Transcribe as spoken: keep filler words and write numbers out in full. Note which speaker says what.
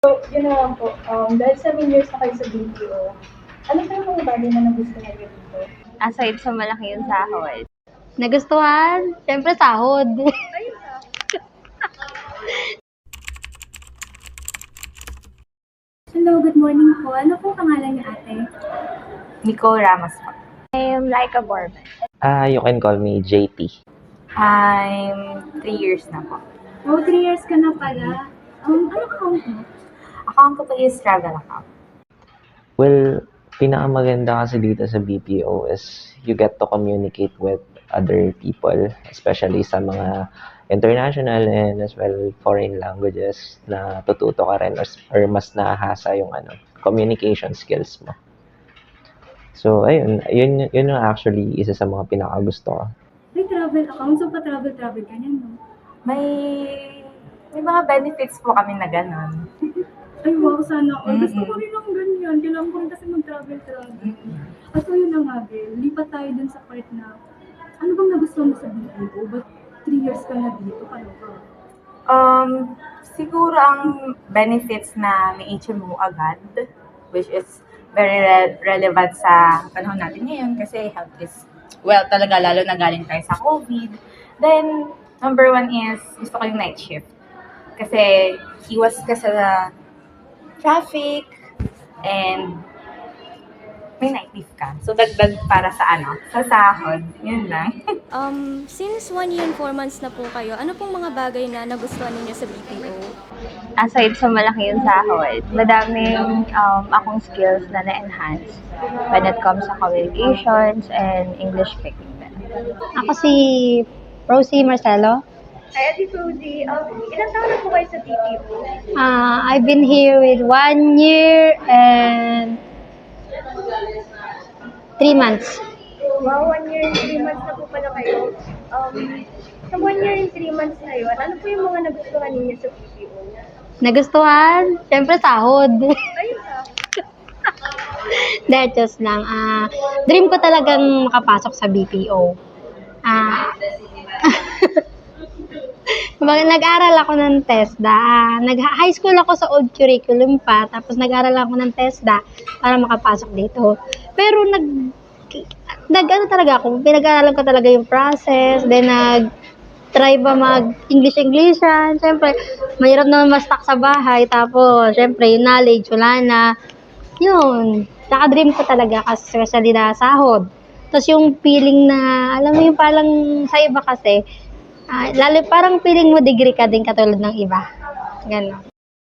Speaker 1: So, yun na lang po. Um, dahil seven years na kayo sa B P O, ano pa yung mga bagay na nagustuhan niyo dito?
Speaker 2: Aside sa malaki yung sahod. Nagustuhan? Siyempre sahod.
Speaker 1: Hello, good morning po. Ano po pangalan niyo, ate?
Speaker 3: Nico Ramos po.
Speaker 2: I'm like a Borman.
Speaker 4: Ah, you can call me J T.
Speaker 3: I'm three years na po.
Speaker 1: Oh, three years ka na pala. Um, ano account mo?
Speaker 3: Account ko po is travel account.
Speaker 4: Well, pinakamaganda kasi dito sa B P O is you get to communicate with other people, especially sa mga international and as well foreign languages na tututo ka rin or, or mas nahasa yung ano, communication skills mo. So, ayun, yun, yun yung actually isa sa mga pinakagusto ko.
Speaker 1: May travel account, so pa-travel-travel ka niyan, no?
Speaker 3: May may mga benefits po kami na gano'n.
Speaker 1: Ay, wow, sana all. Gusto
Speaker 3: Mm-mm.
Speaker 1: ko rin ng ganyan. Kailangan ko rin kasi mag-travel-travel. At so, yun na nga, Bel. Lipat tayo dun sa part na, ano bang nagustuhan mo sa B P O? Ba't three years ka na dito? Paano ka?
Speaker 3: Um, siguro ang benefits na may H M O agad, which is very re- relevant sa panahon natin ngayon kasi health is, well, talaga lalo na galing tayo sa COVID. Then, number one is, gusto ko yung night shift. Kasi, iwas ka sa traffic and may night shift ka. So, dagdag para sa ano, sa sahod. Yun lang.
Speaker 5: Um, since one year and four months na po kayo, ano pong mga bagay na nagustuhan ninyo sa B P O?
Speaker 2: Aside sa malaki yung sahod, madaming um, akong skills na na-enhance when it comes sa communications and English speaking.
Speaker 6: Ako si Rosie Marcelo.
Speaker 1: Hi, Ate Suzy. Um, ilang taon na po kayo sa B P O?
Speaker 6: Uh, I've been here with one year and three months.
Speaker 1: Wow, one year and three months na po pala kayo. Um, sa one year and three months na yun, ano po yung mga nagustuhan ninyo sa B P O?
Speaker 6: Nagustuhan? Siyempre sahod.
Speaker 1: Ayun ka.
Speaker 6: That just lang. Ah, dream ko talagang makapasok sa B P O. Ah, Kumbaga, nag-aral ako ng TESDA. Ah, nag-high school ako sa old curriculum pa, tapos nag-aral ako ng TESDA para makapasok dito. Pero nag, nag ano talaga ako, pinag-aralan ko talaga yung process, then nag, try ba mag-English-Englishan. Siyempre, mahirap naman ma-stuck sa bahay, tapos, siyempre, yung knowledge, wala na. Yun, naka-dream ko talaga kasi especially na sahod. Tapos yung feeling na, alam mo yung parang sa iba kasi, Ah, lalo parang feeling mo degree ka din katulad ng iba. Ganon.